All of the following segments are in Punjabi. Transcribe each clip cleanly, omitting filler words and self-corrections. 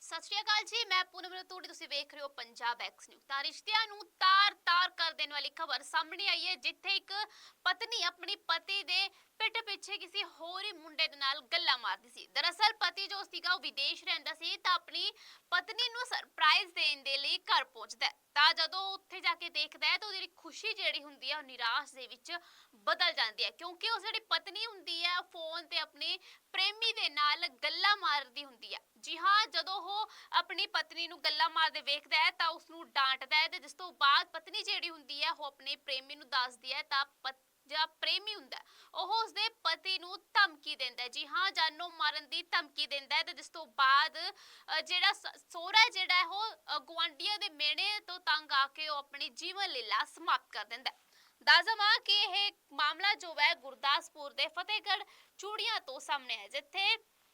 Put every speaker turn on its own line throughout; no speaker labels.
ਸਤਿ ਸ਼੍ਰੀ ਅਕਾਲ ਜੀ, ਮੈਂ ਪੂਨਮ ਰਤੂੜੀ, ਤੁਸੀਂ ਵੇਖ ਰਹੇ ਹੋ ਪੰਜਾਬ ਐਕਸ ਨਿਊਜ਼। ਤਾਂ ਰਿਸ਼ਤਿਆਂ ਨੂੰ ਤਾਰ-ਤਾਰ ਕਰ ਦੇਣ ਵਾਲੀ ਖਬਰ ਸਾਹਮਣੇ ਆਈ ਹੈ, ਜਿੱਥੇ ਇੱਕ ਪਤਨੀ ਆਪਣੀ ਪਤੀ ਦੇ ਪਿੱਠ ਪਿੱਛੇ ਕਿਸੇ ਹੋਰ ਹੀ ਮੁੰਡੇ ਦੇ ਨਾਲ ਗੱਲਾਂ ਮਾਰਦੀ ਸੀ। ਦਰਅਸਲ ਪਤੀ ਜੋ ਸੀਗਾ ਉਹ ਵਿਦੇਸ਼ ਰਹਿੰਦਾ ਸੀ ਤਾਂ ਆਪਣੀ ਪਤਨੀ ਨੂੰ ਸਰਪ੍ਰਾਈਜ਼ ਦੇਣ ਦੇ ਲਈ ਘਰ ਪਹੁੰਚਦਾ ਹੈ। ਤਾਂ ਜਦੋਂ ਉੱਥੇ ਜਾ ਕੇ ਦੇਖਦਾ ਹੈ ਤਾਂ ਉਹਦੀ ਖੁਸ਼ੀ ਜਿਹੜੀ ਹੁੰਦੀ ਹੈ ਉਹ ਨਿਰਾਸ਼ ਦੇ ਵਿੱਚ ਬਦਲ ਜਾਂਦੀ ਹੈ, ਕਿਉਂਕਿ ਉਹ ਜਿਹੜੀ ਪਤਨੀ ਹੁੰਦੀ ਹੈ ਫੋਨ ਤੇ ਆਪਣੇ ਪ੍ਰੇਮੀ ਦੇ ਨਾਲ ਗੱਲਾਂ ਮਾਰਦੀ ਹੁੰਦੀ ਹੈ। ਜੀ ਹਾਂ, ਜਦੋਂ ਉਹ ਆਪਣੀ ਪਤਨੀ ਨੂੰ ਗੱਲਾਂ ਮਾਰਦੇ ਵੇਖਦਾ ਹੈ ਤਾਂ ਉਸ ਨੂੰ ਡਾਂਟਦਾ ਹੈ ਤੇ ਜਿਸ ਤੋਂ ਬਾਅਦ ਪਤਨੀ ਜਿਹੜੀ ਹੁੰਦੀ ਹੈ ਉਹ ਆਪਣੇ ਪ੍ਰੇਮੀ ਨੂੰ ਦੱਸਦੀ ਹੈ ਤਾਂ ਜਿਹੜਾ ਪ੍ਰੇਮੀ ਹੁੰਦਾ ਉਹ ਉਸਦੇ ਪਤੀ ਨੂੰ ਧਮਕੀ ਦਿੰਦਾ ਹੈ। ਜੀ ਹਾਂ, ਜਾਨੋਂ ਮਾਰਨ ਦੀ ਧਮਕੀ ਦਿੰਦਾ ਹੈ ਤੇ ਜਿਸ ਤੋਂ ਬਾਅਦ ਜਿਹੜਾ ਸਹੁਰਾ ਜਿਹੜਾ ਹੈ ਉਹ ਗੁਆਂਢੀਆਂ ਦੇ ਮਿਹਣੇ ਤੋਂ ਤੰਗ ਆ ਕੇ ਉਹ ਆਪਣੀ ਜੀਵਨ ਲੀਲਾ ਸਮਾਪਤ ਕਰ ਦਿੰਦਾ ਹੈ। ਦੱਸ ਦੇਵਾਂ ਕਿ ਇਹ ਮਾਮਲਾ ਜੋ ਹੈ ਗੁਰਦਾਸਪੁਰ ਦੇ ਫਤਿਹਗੜ੍ਹ ਚੂੜੀਆਂ ਤੋਂ ਸਾਹਮਣੇ ਹੈ, ਜਿੱਥੇ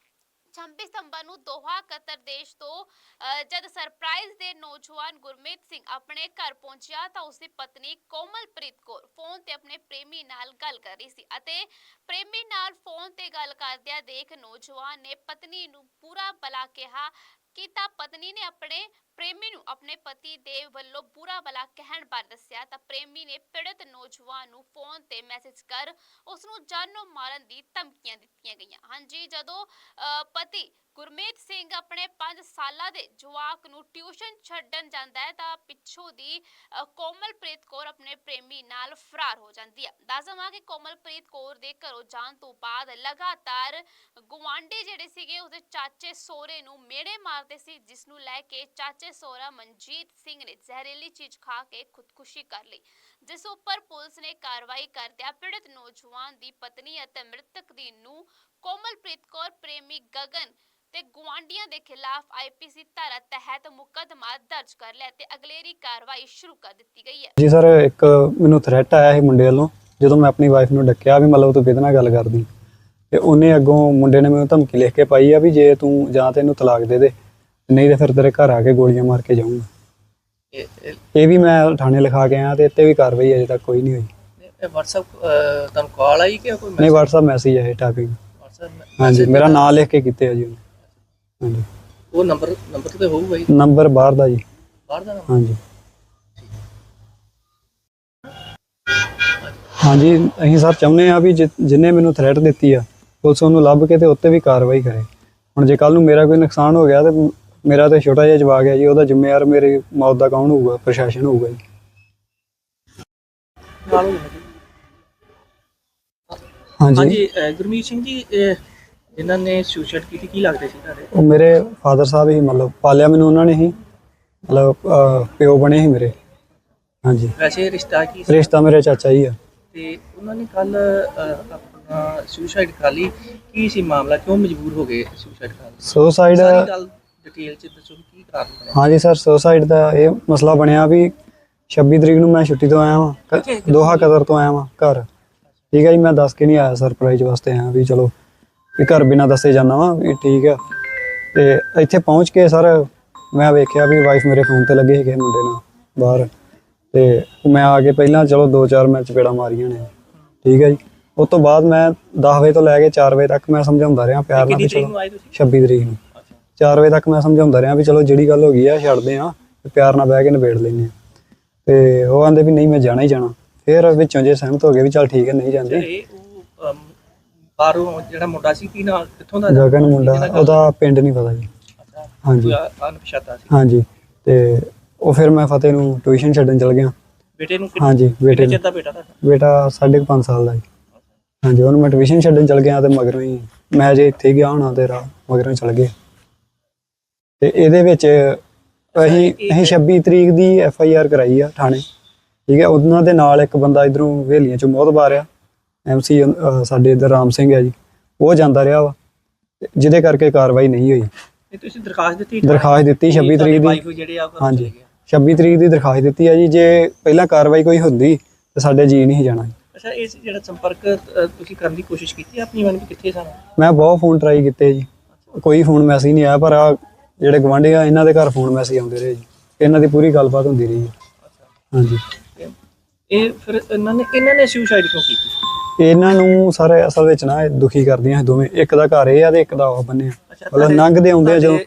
26 ਸਤੰਬਰ ਨੂੰ ਦੋਹਾ ਕਤਰ ਦੇਸ਼ ਤੋਂ ਜਦ ਸਰਪ੍ਰਾਈਜ਼ ਦੇ ਨੌਜਵਾਨ ਗੁਰਮੀਤ ਸਿੰਘ ਆਪਣੇ ਘਰ ਪਹੁੰਚਿਆ ਤਾਂ ਉਸਦੀ ਪਤਨੀ ਕੋਮਲਪ੍ਰੀਤ ਕੌਰ ਫੋਨ ਤੇ ਆਪਣੇ ਪ੍ਰੇਮੀ ਨਾਲ ਗੱਲ ਕਰ ਰਹੀ ਸੀ ਅਤੇ ਪ੍ਰੇਮੀ ਨਾਲ ਫੋਨ ਤੇ ਗੱਲ ਕਰਦਿਆਂ ਦੇਖ ਨੌਜਵਾਨ ਨੇ ਪਤਨੀ ਨੂੰ ਬੁਰਾ ਭਲਾ ਕਿਹਾ ਕਿ ਤਾਂ ਪਤਨੀ ਨੇ ਆਪਣੇ ਪ੍ਰੇਮੀ ਨੂੰ ਆਪਣੇ ਪਤੀ ਦੇ ਵੱਲੋਂ ਬੁਰਾ ਭਲਾ ਕਹਿਣ ਬਾਰੇ ਦੱਸਿਆ ਤਾਂ ਪ੍ਰੇਮੀ ਨੇ ਪੀੜਤ ਨੌਜਵਾਨ ਨੂੰ ਫੋਨ ਤੇ ਮੈਸੇਜ ਕਰ ਉਸ ਨੂੰ ਜਾਨੋਂ ਮਾਰਨ ਦੀ ਧਮਕੀਆਂ ਦਿੱਤੀਆਂ ਗਈਆਂ। ਹਾਂਜੀ, ਜਦੋਂ ਪਤੀ ਗੁਰਮੀਤ ਸਿੰਘ ਆਪਣੇ 5 ਸਾਲਾਂ ਦੇ ਜਵਾਕ ਨੂੰ ਟਿਊਸ਼ਨ ਛੱਡਣ ਜਾਂਦਾ ਹੈ ਤਾਂ ਪਿੱਛੋਂ ਦੀ ਕੋਮਲਪ੍ਰੀਤ ਕੌਰ ਆਪਣੇ ਪ੍ਰੇਮੀ ਨਾਲ ਫਰਾਰ ਹੋ ਜਾਂਦੀ ਹੈ। ਦੱਸ ਦੇਵਾਂ ਕਿ ਕੋਮਲਪ੍ਰੀਤ ਕੌਰ ਦੇ ਘਰੋਂ ਜਾਣ ਤੋਂ ਬਾਅਦ ਲਗਾਤਾਰ ਗੁਆਂਢੀ ਜਿਹੜੇ ਸੀਗੇ ਉਹਦੇ ਚਾਚੇ ਸਹੁਰੇ ਨੂੰ ਮਿਹਣੇ ਮਾਰਦੇ ਸੀ, ਜਿਸ ਨੂੰ ਲੈ ਕੇ ਚਾਚੇ ਸਹੁਰਾ ਮਨਜੀਤ ਸਿੰਘ ਨੇ ਜ਼ਹਿਰੀਲੀ ਚੀਜ਼ ਖਾ ਕੇ ਖੁਦਕੁਸ਼ੀ ਕਰ ਲਈ, ਜਿਸ ਉੱਪਰ ਪੁਲਿਸ ਨੇ ਕਾਰਵਾਈ ਕਰਦਿਆਂ ਪੀੜਤ ਨੌਜਵਾਨ ਦੀ ਪਤਨੀ ਅਤੇ ਮ੍ਰਿਤਕ ਦੀ ਨੂੰਹ ਕੋਮਲਪ੍ਰੀਤ ਕੌਰ ਪ੍ਰੇਮੀ ਗਗਨ ਤੇ ਗੁਆਂਢੀਆਂ ਦੇ ਖਿਲਾਫ ਆਈਪੀਸੀ ਧਾਰਾ ਤਹਿਤ ਮੁਕੱਦਮਾ ਦਰਜ ਕਰ ਲਿਆ ਤੇ ਅਗਲੇਰੀ ਕਾਰਵਾਈ ਸ਼ੁਰੂ ਕਰ ਦਿੱਤੀ ਗਈ ਹੈ।
ਜੀ ਸਰ, ਇੱਕ ਮੈਨੂੰ ਥ੍ਰੈਟ ਆਇਆ ਸੀ ਮੁੰਡੇ ਵੱਲੋਂ। ਜਦੋਂ ਮੈਂ ਆਪਣੀ ਵਾਈਫ ਨੂੰ ਡੱਕਿਆ ਵੀ ਮਤਲਬ ਤੂੰ ਕਿਹਦੇ ਨਾਲ ਗੱਲ ਕਰਦੀ, ਤੇ ਉਹਨੇ ਅੱਗੋਂ ਮੁੰਡੇ ਨੇ ਮੈਨੂੰ ਧਮਕੀ ਲਿਖ ਕੇ ਪਾਈ ਆ ਵੀ ਜੇ ਤੂੰ ਜਾਂ ਤੈਨੂੰ ਤਲਾਕ ਦੇ ਦੇ, ਨਹੀਂ ਤੇ ਫਿਰ ਤੇਰੇ ਘਰ ਆ ਕੇ ਗੋਲੀਆਂ ਮਾਰ ਕੇ ਜਾਊਂਗਾ। ਇਹ ਵੀ ਮੈਂ ਥਾਣੇ ਲਿਖਾ ਕੇ ਆਇਆ ਤੇ ਇੱਥੇ ਵੀ ਕਾਰਵਾਈ ਅਜੇ ਤੱਕ ਕੋਈ ਨਹੀਂ ਹੋਈ।
WhatsApp ਤੁਹਾਨੂੰ ਕਾਲ ਆਈ ਕਿ ਕੋਈ
ਨਹੀਂ, WhatsApp ਮੈਸੇਜ ਹੈ ਟਾਈਪਿੰਗ। ਹਾਂਜੀ, ਮੇਰਾ ਨਾਮ ਲਿਖ ਕੇ ਕੀਤੇ ਆ ਜੀ ਉਹਨੇ। ਹਾਂਜੀ,
ਉਹ ਨੰਬਰ ਤੇ ਹੋਊਗਾ ਜੀ?
ਨੰਬਰ ਬਾਹਰ ਦਾ ਜੀ।
ਬਾਹਰ ਦਾ ਨੰਬਰ?
ਹਾਂਜੀ ਹਾਂਜੀ, ਅਸੀਂ ਸਰ ਚਾਹੁੰਦੇ ਆ ਵੀ ਜਿੰਨੇ ਮੈਨੂੰ ਥ੍ਰੈਟ ਦਿੱਤੀ ਆ ਪੁਲਿਸ ਉਹਨੂੰ ਲੱਭ ਕੇ ਤੇ ਉੱਤੇ ਵੀ ਕਾਰਵਾਈ ਕਰੇ। ਹੁਣ ਜੇ ਕੱਲ ਨੂੰ ਮੇਰਾ ਕੋਈ ਨੁਕਸਾਨ ਹੋ ਗਿਆ ਤੇ ਮੇਰਾ ਤੇ ਛੋਟਾ ਜਿਹਾ ਜਵਾਕ ਹੈ ਜੀ, ਉਹਦਾ ਜ਼ਿੰਮੇਵਾਰ ਮੇਰੀ ਮੌਤ ਦਾ ਕੌਣ ਹੋਊਗਾ? ਪ੍ਰਸ਼ਾਸਨ ਹੋਊਗਾ ਜੀ।
ਹਾਂਜੀ, ਗੁਰਮੀਤ ਸਿੰਘ ਜੀ, ਜਿਨ੍ਹਾਂ ਨੇ ਸੁਸਾਈਡ ਕੀਤੀ, ਕੀ ਲੱਗਦੇ ਸੀ ਤੁਹਾਡੇ?
ਉਹ ਮੇਰੇ ਫਾਦਰ ਸਾਹਿਬ ਹੀ, ਮਤਲਬ ਪਾਲਿਆ ਮੈਨੂੰ ਉਹਨਾਂ ਨੇ ਹੀ, ਮਤਲਬ ਪਿਓ ਬਣੇ ਸੀ ਮੇਰੇ। ਹਾਂਜੀ,
ਵੈਸੇ ਰਿਸ਼ਤਾ ਕੀ ਸੀ?
ਰਿਸ਼ਤਾ ਮੇਰੇ ਚਾਚਾ ਜੀ ਆ।
ਤੇ ਉਹਨਾਂ ਨੇ ਕੱਲ ਆਪਣਾ ਸੁਸਾਈਡ ਕਰ ਲਈ, ਕੀ ਸੀ ਮਾਮਲਾ? ਕਿਉਂ ਮਜਬੂਰ ਹੋ ਗਏ ਸੁਸਾਈਡ ਕਰਨ ਲਈ?
ਸੁਸਾਈਡ
ਸਾਰੀ ਗੱਲ ਡਿਟੇਲ ਚ ਦੱਸੋ, ਕੀ ਕਾਰਨ ਬਣਿਆ?
ਹਾਂਜੀ ਸਰ, ਸੁਸਾਈਡ ਦਾ ਇਹ ਮਸਲਾ ਬਣਿਆ ਵੀ 26 ਤਰੀਕ ਨੂੰ ਮੈਂ ਛੁੱਟੀ ਤੋਂ ਆਇਆ ਵਾਂ, ਦੋਹਾ ਕਤਰ ਤੋਂ ਆਇਆ ਵਾਂ ਘਰ। ਠੀਕ ਹੈ ਜੀ, ਮੈਂ ਦੱਸ ਕੇ ਨਹੀਂ ਆਇਆ, ਸਰਪ੍ਰਾਈਜ਼ ਵਾਸਤੇ ਆਇਆ ਵੀ ਚਲੋ ਵੀ ਘਰ ਬਿਨਾਂ ਦੱਸੇ ਜਾਂਦਾ ਵਾਂ ਵੀ ਠੀਕ ਆ। ਤੇ ਇੱਥੇ ਪਹੁੰਚ ਕੇ ਸਰ ਮੈਂ ਵੇਖਿਆ ਵੀ ਵਾਈਫ ਮੇਰੇ ਫੋਨ ਤੇ ਲੱਗੇ ਸੀਗੇ ਮੁੰਡੇ ਨਾਲ ਬਾਹਰ, ਤੇ ਮੈਂ ਆ ਕੇ ਪਹਿਲਾਂ ਚਲੋ 2-4 ਮੈਂ ਚਪੇੜਾਂ ਮਾਰੀਆਂ ਨੇ। ਠੀਕ ਹੈ ਜੀ, ਉਸ ਤੋਂ ਬਾਅਦ ਮੈਂ 10 ਵਜੇ ਤੋਂ ਲੈ ਕੇ 4 ਵਜੇ ਤੱਕ ਮੈਂ ਸਮਝਾਉਂਦਾ ਰਿਹਾ ਪਿਆਰ ਨਾਲ ਵੀ ਚਲੋ 26 ਤਰੀਕ ਨੂੰ 4 ਵਜੇ ਤੱਕ ਮੈਂ ਸਮਝਾਉਂਦਾ ਰਿਹਾ ਵੀ ਚਲੋ ਜਿਹੜੀ ਗੱਲ ਹੋ ਗਈ ਆ ਛੱਡਦੇ ਆ, ਪਿਆਰ ਨਾਲ ਬਹਿ ਕੇ ਨਿਬੇੜ ਲੈਂਦੇ ਆ। ਤੇ ਉਹ ਆਂਦੇ ਵੀ ਨਹੀਂ ਮੈਂ ਜਾਣਾ ਹੀ ਜਾਣਾ। ਫਿਰ ਵਿੱਚੋਂ ਜੇ ਸਹਿਮਤ ਹੋ ਗਏ ਵੀ ਚੱਲ ਠੀਕ ਹੈ ਨਹੀਂ ਜਾਂਦੇ।
ਬਾਹਰੋਂ ਜਿਹੜਾ ਮੁੰਡਾ ਸੀ, ਕੀ ਨਾਲ, ਕਿੱਥੋਂ ਦਾ?
ਗਗਨ ਮੁੰਡਾ, ਉਹਦਾ ਪਿੰਡ ਨਹੀਂ ਪਤਾ ਜੀ। ਹਾਂਜੀ
ਅਣਪਛਾਤਾ ਸੀ।
ਹਾਂਜੀ, ਤੇ ਉਹ ਫਿਰ ਮੈਂ ਫਤਿਹ ਨੂੰ ਟਿਊਸ਼ਨ ਛੱਡਣ ਚਲ ਗਿਆ।
ਬੇਟੇ ਨੂੰ?
ਹਾਂਜੀ, ਬੇਟੇ ਨੂੰ।
ਦਾ ਬੇਟਾ?
ਬੇਟਾ 5.5 ਸਾਲ ਦਾ ਜੀ। ਹਾਂਜੀ, ਉਹਨੂੰ ਮੈਂ ਟਿਊਸ਼ਨ ਛੱਡਣ ਚਲ ਗਿਆ ਤੇ ਮਗਰੋਂ ਹੀ ਮੈਂ ਜੇ ਇੱਥੇ ਗਿਆ ਹੋਣਾ ਤੇ ਮਗਰੋਂ ਚਲ ਗਏ। ਤੇ ਇਹਦੇ ਵਿੱਚ ਅਸੀਂ 26 ਤਰੀਕ ਦੀ FIR ਕਰਾਈ ਆ ਥਾਣੇ। ਠੀਕ ਹੈ, ਉਹਨਾਂ ਦੇ ਨਾਲ ਇੱਕ ਬੰਦਾ ਇੱਧਰੋਂ ਹਵੇਲੀਆਂ ਚੋਂ ਮੋਹਤਬਾਰ ਆ, MC ਸਾਡੇ ਇੱਧਰ ਰਾਮ ਸਿੰਘ ਹੈ ਜੀ, ਉਹ ਜਾਂਦਾ ਰਿਹਾ ਵਾ, ਜਿਹਦੇ ਕਰਕੇ ਕਾਰਵਾਈ ਨਹੀਂ ਹੋਈ।
ਤੁਸੀਂ ਦਰਖਾਸਤ ਦਿੱਤੀ?
ਦਰਖਾਸਤ ਦਿੱਤੀ 26 ਤਰੀਕ ਦੀ। ਹਾਂਜੀ, 26 ਤਰੀਕ ਦੀ ਦਰਖਾਸਤ ਦਿੱਤੀ ਆ ਜੀ। ਜੇ ਪਹਿਲਾਂ ਕਾਰਵਾਈ ਕੋਈ ਹੁੰਦੀ ਤੇ ਸਾਡੇ ਜੀ ਨਹੀਂ ਜਾਣਾ।
ਅੱਛਾ, ਇਸ ਜਿਹੜਾ ਸੰਪਰਕ ਤੁਸੀਂ ਕਰਨ ਦੀ ਕੋਸ਼ਿਸ਼ ਕੀਤੀ ਆਪਣੀ ਮਨ ਵੀ ਕਿੱਥੇ ਸਨ?
ਮੈਂ ਬਹੁਤ ਫੋਨ ਟਰਾਈ ਕੀਤੇ ਜੀ, ਕੋਈ ਫੋਨ ਮੈਸੇਜ ਨਹੀਂ ਆਇਆ। ਪਰ ਆ ਜਿਹੜੇ ਗੁਆਂਢੀ ਆ ਇਹਨਾਂ ਦੇ ਘਰ ਫੋਨ ਮੈਸੇਜ ਆਉਂਦੇ ਰਹੇ ਜੀ, ਇਹਨਾਂ ਦੀ ਪੂਰੀ ਗੱਲਬਾਤ ਹੁੰਦੀ ਰਹੀ ਹੈ। ਹਾਂਜੀ,
ਇਹ ਫਿਰ ਇਹਨਾਂ ਨੇ ਸੁਸਾਈਡ ਕਿਉਂ ਕੀਤੀ?
ਇਹਨਾਂ ਨੂੰ ਸਾਰੇ ਅਸਲ ਵਿੱਚ ਨਾ ਦੁਖੀ ਕਰਦੀਆਂ ਦੋਵੇਂ। ਇੱਕ ਦਾ ਘਰ ਇਹ ਆ ਤੇ ਇੱਕ ਦਾ ਉਹ ਬੰਨਿਆ, ਮਤਲਬ ਲੰਘਦੇ ਆਉਂਦੇ ਆ ਜਦੋਂ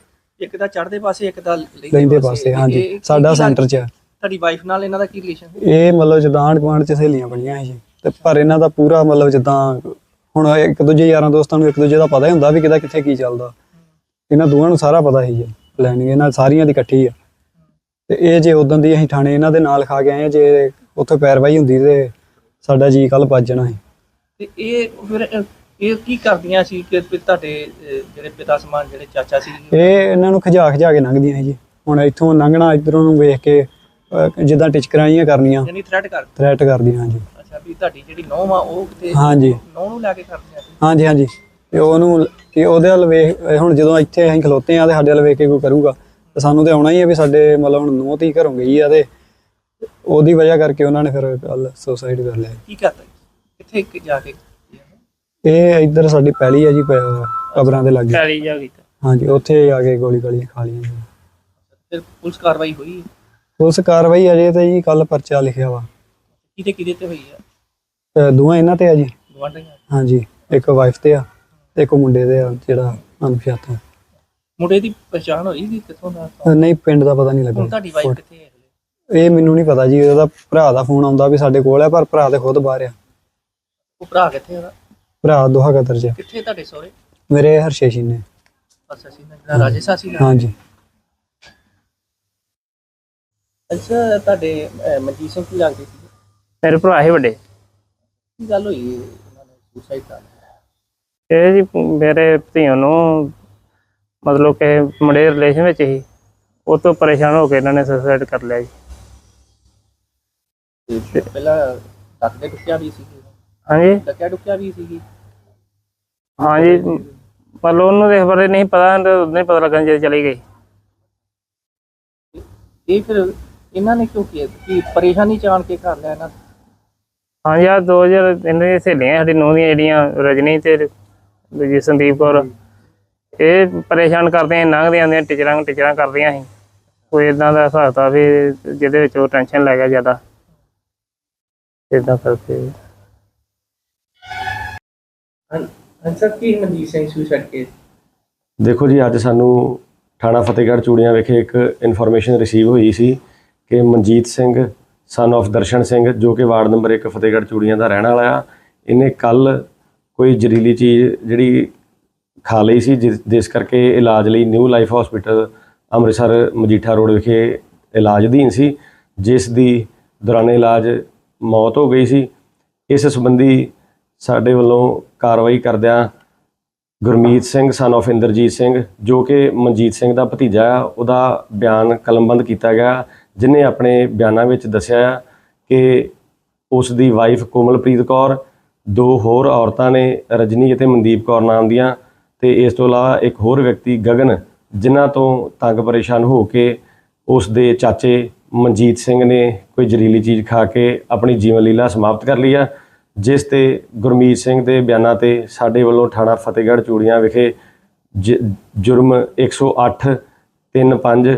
ਇੱਕ ਤਾਂ ਚੜ੍ਹਦੇ ਪਾਸੇ, ਇੱਕ ਤਾਂ
ਲੈਂਦੇ ਪਾਸੇ। ਹਾਂਜੀ, ਸਾਡਾ ਸੈਂਟਰ 'ਚ ਆ।
ਤੁਹਾਡੀ ਵਾਈਫ ਨਾਲ ਇਹਨਾਂ ਦਾ ਕੀ ਰਿਲੇਸ਼ਨ?
ਇਹ ਮਤਲਬ ਜਿੱਦਾਂ ਆਂਢ ਗੁਆਂਢ 'ਚ ਸਹੇਲੀਆਂ ਬਣੀਆਂ ਸੀ ਜੀ, ਤੇ ਪਰ ਇਹਨਾਂ ਦਾ ਪੂਰਾ ਮਤਲਬ ਜਿੱਦਾਂ ਹੁਣ ਇੱਕ ਦੂਜੇ ਯਾਰਾਂ ਦੋਸਤਾਂ ਨੂੰ ਇੱਕ ਦੂਜੇ ਦਾ ਪਤਾ ਹੀ ਹੁੰਦਾ ਵੀ ਕਿਹਦਾ ਕਿੱਥੇ ਕੀ ਚੱਲਦਾ। ਇਹਨਾਂ ਦੋਵਾਂ ਨੂੰ ਸਾਰਾ ਪਤਾ ਸੀ ਜੀ, ਪਲੈਨਿੰਗ ਇਹਨਾਂ ਸਾਰੀਆਂ ਦੀ ਇਕੱਠੀ ਆ। ਤੇ ਇਹ ਜੇ ਉਦੋਂ ਦੀ ਅਸੀਂ ਥਾਣੇ ਇਹਨਾਂ ਦੇ ਨਾਲ ਖਾ ਕੇ ਆਏ ਆ, ਜੇ ਉੱਥੇ ਪੈਰਵਾਈ ਹੁੰਦੀ ਤੇ ਸਾਡਾ ਜੀ ਕੱਲ ਭੱਜ ਜਾਣਾ ਸੀ।
ਤੇ ਇਹ ਫਿਰ ਇਹ ਕੀ ਕਰਦੀਆਂ ਸੀ ਕਿ ਵੀ ਤੁਹਾਡੇ ਜਿਹੜੇ ਪਿਤਾ ਸਮਾਨ ਜਿਹੜੇ ਚਾਚਾ ਸੀ?
ਇਹ ਇਹਨਾਂ ਨੂੰ ਖਿਜਾ ਕੇ ਲੰਘਦੀਆਂ ਸੀ ਜੀ। ਹੁਣ ਇੱਥੋਂ ਲੰਘਣਾ ਇੱਧਰੋਂ ਨੂੰ ਵੇਖ ਕੇ ਜਿੱਦਾਂ ਟਿਚਕਰਾਂ ਜਿਹੀਆਂ ਕਰਨੀਆਂ,
ਯਾਨੀ ਥ੍ਰੈਟ
ਥ੍ਰੈਟ ਕਰਦੀਆਂ ਜੀ।
ਅੱਛਾ, ਵੀ ਤੁਹਾਡੀ ਜਿਹੜੀ ਨੌਂ ਆ ਉਹ ਕਿਤੇ
ਹਾਂਜੀ
ਨੌਂ ਨੂੰ ਲੈ ਕੇ ਕਰਦੀਆਂ ਸੀ?
ਹਾਂਜੀ ਹਾਂਜੀ। ਤੇ ਉਹਨੂੰ ਕਿ ਉਹਦੇ ਵੱਲ ਵੇਖ, ਹੁਣ ਜਦੋਂ ਇੱਥੇ ਅਸੀਂ ਖਲੋਤੇ ਆ ਤੇ ਸਾਡੇ ਵੱਲ ਵੇਖ ਕੇ ਕੋਈ ਕਰੂਗਾ ਤੇ ਸਾਨੂੰ ਤੇ ਆਉਣਾ ਹੀ ਆ ਵੀ ਸਾਡੇ ਮਤਲਬ ਹੁਣ ਨੂੰਹ ਧੀ ਘਰੋਂ ਗਈ ਆ, ਤੇ ਉਹਦੀ ਵਜ੍ਹਾ ਕਰਕੇ ਉਹਨਾਂ ਨੇ ਫਿਰ ਕੱਲ ਸੁਸਾਈਡ ਕਰ ਲਿਆ।
ਕੀ ਕਰਤਾ ਕਿੱਥੇ ਜਾ ਕੇ?
ਇਹ ਇੱਧਰ ਸਾਡੀ ਪਹਿਲੀ ਆ ਜੀ, ਕਬਰਾਂ ਦੇ ਲਾਗੇ।
ਪੈਲੀ ਜਾ ਕੀਤਾ? ਹਾਂਜੀ,
ਉੱਥੇ ਆ ਕੇ ਗੋਲੀ ਖਾ ਲਈਆਂ ਜੀ।
ਫਿਰ ਪੁਲਿਸ ਕਾਰਵਾਈ ਹੋਈ?
ਪੁਲਿਸ ਕਾਰਵਾਈ ਅਜੇ ਤੇ ਜੀ ਕੱਲ ਪਰਚਾ ਲਿਖਿਆ ਵਾ।
ਕਿਹਦੇ ਤੇ ਹੋਈ ਆ?
ਦੋਵਾਂ ਇਹਨਾਂ ਤੇ ਆ ਜੀ।
ਗਵਾਂਢੀਆਂ?
ਹਾਂਜੀ, ਇੱਕ ਵਾਈਫ ਤੇ ਆ ਤੇ ਇੱਕ ਮੁੰਡੇ ਤੇ ਆ ਜਿਹੜਾ ਅਣਪਛਾਤਾ।
ਮੁੰਡੇ ਦੀ ਪਛਾਣ ਹੋਈ ਕਿ ਕਿੱਥੋਂ ਦਾ?
ਨਹੀਂ, ਪਿੰਡ ਦਾ ਪਤਾ ਨਹੀਂ ਲੱਗਾ।
ਹੁਣ ਤੁਹਾਡੀ ਵਾਈਫ ਕਿੱਥੇ ਹੈ?
ਇਹ ਮੈਨੂੰ ਨਹੀਂ ਪਤਾ ਜੀ, ਉਹਦਾ ਭਰਾ ਦਾ ਫੋਨ ਆਉਂਦਾ ਵੀ ਸਾਡੇ ਕੋਲ ਆ, ਪਰ ਭਰਾ ਤੇ ਖੁਦ ਬਾਹਰ ਆ।
ਉਹ ਭਰਾ ਕਿੱਥੇ ਉਹਦਾ?
ਭਰਾ ਦੋਹਾ ਕਤਰ 'ਚ।
ਕਿੱਥੇ ਤੁਹਾਡੇ ਸਹੁਰੇ?
ਮੇਰੇ ਹਰਸ਼ੇਸ਼ੀ ਨੇ।
ਅੱਛਾ ਸੀ ਨਾ, ਰਾਜੇਸ਼ਾਸੀ ਨਾਲ?
ਹਾਂਜੀ।
ਅੱਛਾ, ਤੁਹਾਡੇ ਮਨਜੀਤ ਸਿੰਘ ਕੀ ਲੱਗਦੇ ਸੀ?
ਮੇਰੇ ਭਰਾ ਹੀ ਵੱਡੇ।
ਕੀ ਗੱਲ ਹੋਈ ਉਹਨਾਂ ਨੇ ਸੁਸਾਈਡ ਕਰ ਲਿਆ?
ਇਹ ਜੀ ਮੇਰੇ ਧੀਆਂ ਨੂੰ ਮਤਲਬ ਕਿ ਮੁੰਡੇ ਰਿਲੇਸ਼ਨ ਵਿੱਚ ਹੀ, ਉਹ ਤੋਂ ਪਰੇਸ਼ਾਨ ਹੋ ਕੇ ਇਹਨਾਂ ਨੇ ਸੁਸਾਈਡ ਕਰ ਲਿਆ ਜੀ।
ਤੇ ਪਹਿਲਾਂ ਡੱਕਿਆ ਡੁੱਕਿਆ ਵੀ ਸੀ?
ਹਾਂਜੀ
ਡੱਕਿਆ ਡੁੱਕਿਆ ਵੀ ਸੀ?
ਹਾਂਜੀ, ਮਤਲਬ ਉਹਨੂੰ ਇਸ ਬਾਰੇ ਨਹੀਂ ਪਤਾ, ਨਹੀਂ ਪਤਾ ਲੱਗਣ ਜਦੋਂ ਚਲੀ ਗਈ।
ਇਹ ਫਿਰ ਇਹਨਾਂ ਨੇ ਕਿਉਂ ਕੀਤਾ ਕਿ ਪਰੇਸ਼ਾਨੀ ਜਾਣ ਕੇ ਕਰ ਲਿਆ ਇਹਨਾਂ ਨੇ?
ਹਾਂਜੀ, ਆਹ 2000 ਇਹਨਾਂ ਦੀਆਂ ਸਹੇਲੀਆਂ ਸਾਡੀ ਨੂੰਹ ਦੀਆਂ ਜਿਹੜੀਆਂ ਰਜਨੀ ਤੇ ਦੂਜੀ ਸੰਦੀਪ ਕੌਰ, ਇਹ ਪਰੇਸ਼ਾਨ ਕਰਦੀਆਂ, ਲੰਘਦੀਆਂ ਆਉਂਦੀਆਂ ਟੀਚਰਾਂ ਕਰਦੀਆਂ ਸੀ। ਕੋਈ ਇੱਦਾਂ ਦਾ ਹਿਸਾਬ ਤਾ ਵੀ ਜਿਹਦੇ ਵਿੱਚ ਉਹ ਟੈਨਸ਼ਨ ਲੈ ਗਿਆ ਜ਼ਿਆਦਾ, ਇੱਦਾਂ ਕਰਕੇ।
ਸਰ, ਕੀ ਮਨਜੀਤ ਸਿੰਘ ਸੁਸਾਈਡ ਕੇਸ?
ਦੇਖੋ ਜੀ, ਅੱਜ ਸਾਨੂੰ ਥਾਣਾ ਫਤਿਹਗੜ੍ਹ ਚੂੜੀਆਂ ਵਿਖੇ ਇੱਕ ਇਨਫੋਰਮੇਸ਼ਨ ਰਿਸੀਵ ਹੋਈ ਸੀ ਕਿ ਮਨਜੀਤ ਸਿੰਘ ਸਨ of ਦਰਸ਼ਨ ਸਿੰਘ, ਜੋ ਕਿ ਵਾਰਡ ਨੰਬਰ 1 ਫਤਿਹਗੜ੍ਹ ਚੂੜੀਆਂ ਦਾ ਰਹਿਣ ਵਾਲਾ ਆ, ਇਹਨੇ ਕੱਲ ਕੋਈ ਜ਼ਹਿਰੀਲੀ ਚੀਜ਼ ਜਿਹੜੀ ਖਾ ਲਈ ਸੀ, ਜਿਸ ਕਰਕੇ ਇਲਾਜ ਲਈ new life hospital Amritsar Majitha road ਵਿਖੇ ਇਲਾਜ ਅਧੀਨ ਸੀ, ਜਿਸ ਦੀ ਦੌਰਾਨੇ ਇਲਾਜ ਮੌਤ ਹੋ ਗਈ ਸੀ। ਇਸ ਸੰਬੰਧੀ ਸਾਡੇ ਵੱਲੋਂ ਕਾਰਵਾਈ ਕਰਦਿਆਂ ਗੁਰਮੀਤ ਸਿੰਘ ਸਨ of ਇੰਦਰਜੀਤ ਸਿੰਘ, ਜੋ ਕਿ ਮਨਜੀਤ ਸਿੰਘ ਦਾ ਭਤੀਜਾ ਆ, ਉਹਦਾ ਬਿਆਨ ਕਲਮਬੰਦ ਕੀਤਾ ਗਿਆ, ਜਿਨੇ ਆਪਣੇ ਬਿਆਨਾਂ ਵਿੱਚ ਦੱਸਿਆ ਆ ਕਿ ਉਸ ਦੀ ਵਾਈਫ ਕੋਮਲਪ੍ਰੀਤ ਕੌਰ, ਦੋ ਹੋਰ ਔਰਤਾਂ ਨੇ ਰਜਨੀ ਅਤੇ ਮਨਦੀਪ ਕੌਰ ਨਾਮ ਦੀਆਂ, ਤੇ ਇਸ ਤੋਂ ਇਲਾਵਾ ਇੱਕ ਹੋਰ ਵਿਅਕਤੀ ਗਗਨ, ਜਿਨ੍ਹਾਂ ਤੋਂ ਤੰਗ ਪਰੇਸ਼ਾਨ ਹੋ ਕੇ ਉਸ ਦੇ ਚਾਚੇ ਮਨਜੀਤ ਸਿੰਘ ਨੇ ਕੋਈ ਜ਼ਹਿਰੀਲੀ ਚੀਜ਼ ਖਾ ਕੇ ਆਪਣੀ ਜੀਵਨ ਲੀਲਾ ਸਮਾਪਤ ਕਰ ਲਈ ਆ, ਜਿਸ ਤੇ ਗੁਰਮੀਤ ਸਿੰਘ ਦੇ ਬਿਆਨਾਂ ਤੇ ਸਾਡੇ ਵੱਲੋਂ ਥਾਣਾ ਫਤਿਹਗੜ੍ਹ ਚੂੜੀਆਂ ਵਿਖੇ ਜੁਰਮ 108 35